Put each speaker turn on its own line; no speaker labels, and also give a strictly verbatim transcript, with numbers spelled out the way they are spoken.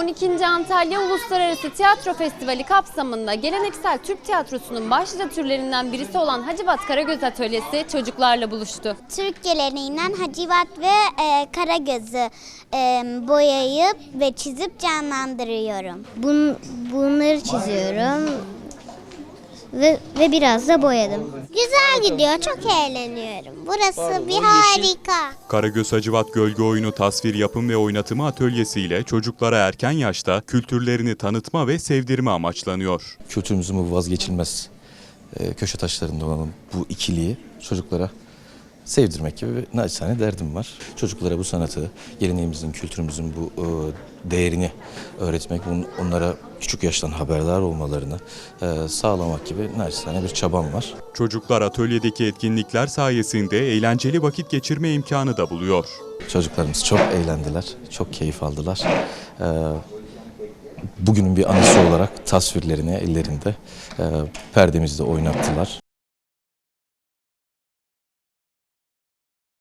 on ikinci Antalya Uluslararası Tiyatro Festivali kapsamında geleneksel Türk tiyatrosunun başlıca türlerinden birisi olan Hacivat Karagöz Atölyesi çocuklarla buluştu.
Türk geleneğinden Hacivat ve e, Karagöz'ü e, boyayıp ve çizip canlandırıyorum. Bun, bunları çiziyorum ve, ve biraz da boyadım. Güzel gidiyor, çok eğleniyorum. Burası bir harika.
Karagöz Hacivat Gölge Oyunu tasvir yapım ve oynatımı atölyesiyle çocuklara erken yaşta kültürlerini tanıtma ve sevdirme amaçlanıyor.
Kültürümüzün bu vazgeçilmez e, köşe taşlarında olan bu ikiliyi çocuklara sevdirmek gibi bir naçizane derdim var. Çocuklara bu sanatı, geleneğimizin, kültürümüzün bu e, değerini öğretmek, bunun, onlara küçük yaştan haberdar olmalarını e, sağlamak gibi naçizane bir çabam var.
Çocuklar atölyedeki etkinlikler sayesinde eğlenceli vakit geçirme imkanı da buluyor.
Çocuklarımız çok eğlendiler, çok keyif aldılar. E, bugünün bir anısı olarak tasvirlerini ellerinde e, perdemizde oynattılar.